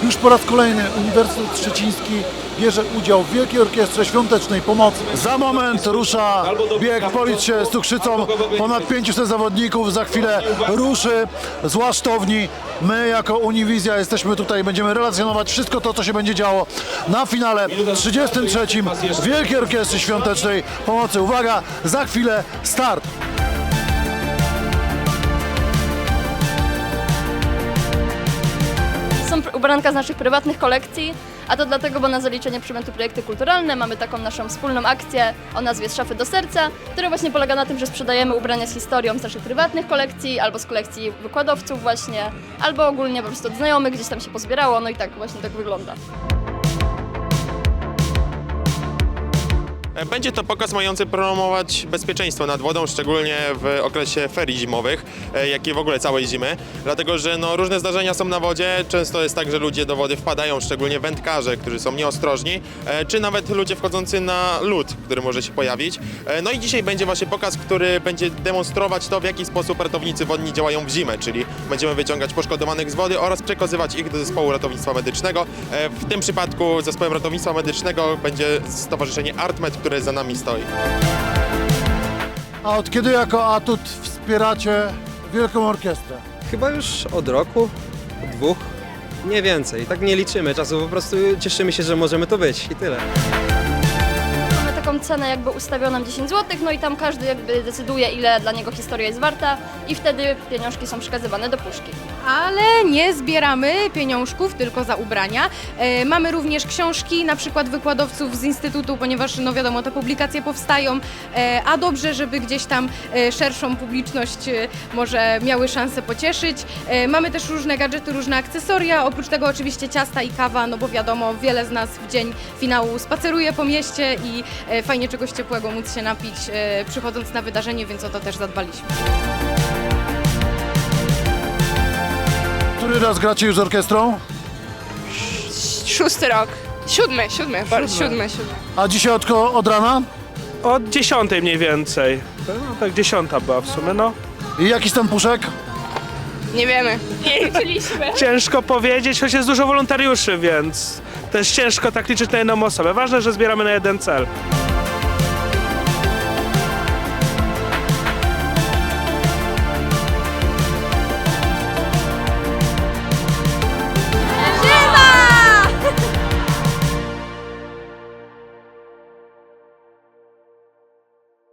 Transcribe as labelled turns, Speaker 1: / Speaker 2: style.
Speaker 1: Już po raz kolejny Uniwersytet Szczeciński bierze udział w Wielkiej Orkiestrze Świątecznej Pomocy. Za moment rusza bieg Policz się z cukrzycą. Ponad 500 zawodników za chwilę ruszy z Łasztowni. My jako Uniwizja jesteśmy tutaj, będziemy relacjonować wszystko to, co się będzie działo na finale 33. Wielkiej Orkiestry Świątecznej Pomocy. Uwaga, za chwilę start!
Speaker 2: Są ubranka z naszych prywatnych kolekcji, a to dlatego, bo na zaliczenie przymiotu Projekty Kulturalne mamy taką naszą wspólną akcję o nazwie Z szafy do serca, która właśnie polega na tym, że sprzedajemy ubrania z historią z naszych prywatnych kolekcji, albo z kolekcji wykładowców właśnie, albo ogólnie po prostu od znajomych, gdzieś tam się pozbierało, no i tak właśnie tak wygląda.
Speaker 3: Będzie to pokaz mający promować bezpieczeństwo nad wodą, szczególnie w okresie ferii zimowych, jak i w ogóle całej zimy. Dlatego, że różne zdarzenia są na wodzie, często jest tak, że ludzie do wody wpadają, szczególnie wędkarze, którzy są nieostrożni, czy nawet ludzie wchodzący na lód, który może się pojawić. No i dzisiaj będzie właśnie pokaz, który będzie demonstrować to, w jaki sposób ratownicy wodni działają w zimę, czyli będziemy wyciągać poszkodowanych z wody oraz przekazywać ich do zespołu ratownictwa medycznego. W tym przypadku zespołem ratownictwa medycznego będzie Stowarzyszenie ArtMed, które za nami stoi.
Speaker 1: A od kiedy jako Atut wspieracie Wielką Orkiestrę?
Speaker 4: Chyba już od roku, od 2, nie więcej. Tak nie liczymy czasu, po prostu cieszymy się, że możemy to być i tyle.
Speaker 2: Mamy taką cenę jakby ustawioną 10 zł, no i tam każdy jakby decyduje, ile dla niego historia jest warta i wtedy pieniążki są przekazywane do puszki.
Speaker 5: Ale nie zbieramy pieniążków tylko za ubrania. Mamy również książki, na przykład wykładowców z Instytutu, ponieważ no wiadomo, te publikacje powstają, a dobrze, żeby gdzieś tam szerszą publiczność może miały szansę pocieszyć. Mamy też różne gadżety, różne akcesoria, oprócz tego oczywiście ciasta i kawa, no bo wiadomo, wiele z nas w dzień finału spaceruje po mieście i fajnie czegoś ciepłego móc się napić przychodząc na wydarzenie, więc o to też zadbaliśmy.
Speaker 1: Który raz gracie już z orkiestrą?
Speaker 6: 6. rok. 7.
Speaker 1: A dzisiaj od rana?
Speaker 7: Od 10 mniej więcej. No, tak 10 była w sumie, no.
Speaker 1: I jakiś tam puszek?
Speaker 6: Nie wiemy. Nie liczyliśmy.
Speaker 7: Ciężko powiedzieć, choć jest dużo wolontariuszy, więc też ciężko tak liczyć na jedną osobę. Ważne, że zbieramy na jeden cel.